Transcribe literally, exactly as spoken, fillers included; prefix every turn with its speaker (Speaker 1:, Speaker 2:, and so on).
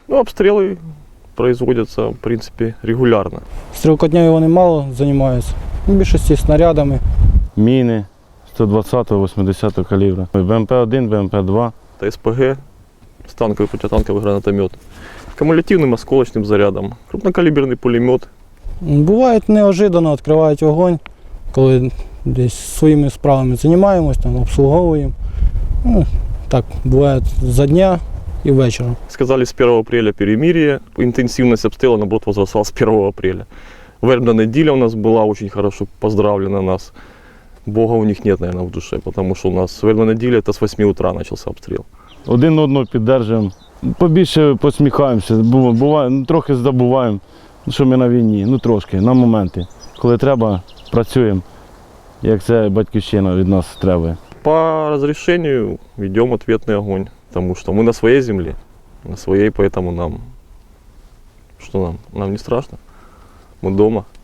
Speaker 1: Ну, обстрелы производятся, в принципе, регулярно.
Speaker 2: Стрілкотнею вони мало займаються, в більшості снарядами.
Speaker 3: Міни сто двадцятого, вісімдесятого калібру, Б М П один, Б М П два.
Speaker 1: Это С П Г, станковый противотанковый гранатомет, кумулятивным осколочным зарядом, крупнокалиберный пулемет.
Speaker 2: Буває неожиданно відкривають вогонь, коли десь своїми справами займаємось, там, обслуговуємо. Ну, так, буває за дня і вечором.
Speaker 1: Сказали, с первого апреля перемирие, интенсивность обстрела, наоборот, возросла с первого апреля. Вербна неделя у нас была очень хорошо поздравлена нас. Бога у них нет, наверное, в душе, потому что у нас вербна неделя, это с восьми утра начался обстрел.
Speaker 3: Один одного піддержуємо, побільше посміхаємося, бу- буває, ну, трохи забуваємо, що ми на війні, ну трошки, на моменти. Коли треба, працюємо, як це батьківщина від нас требує.
Speaker 1: По разрешению ведем ответный огонь, потому что мы на своей земле, на своей, поэтому нам, что нам, нам не страшно, мы дома.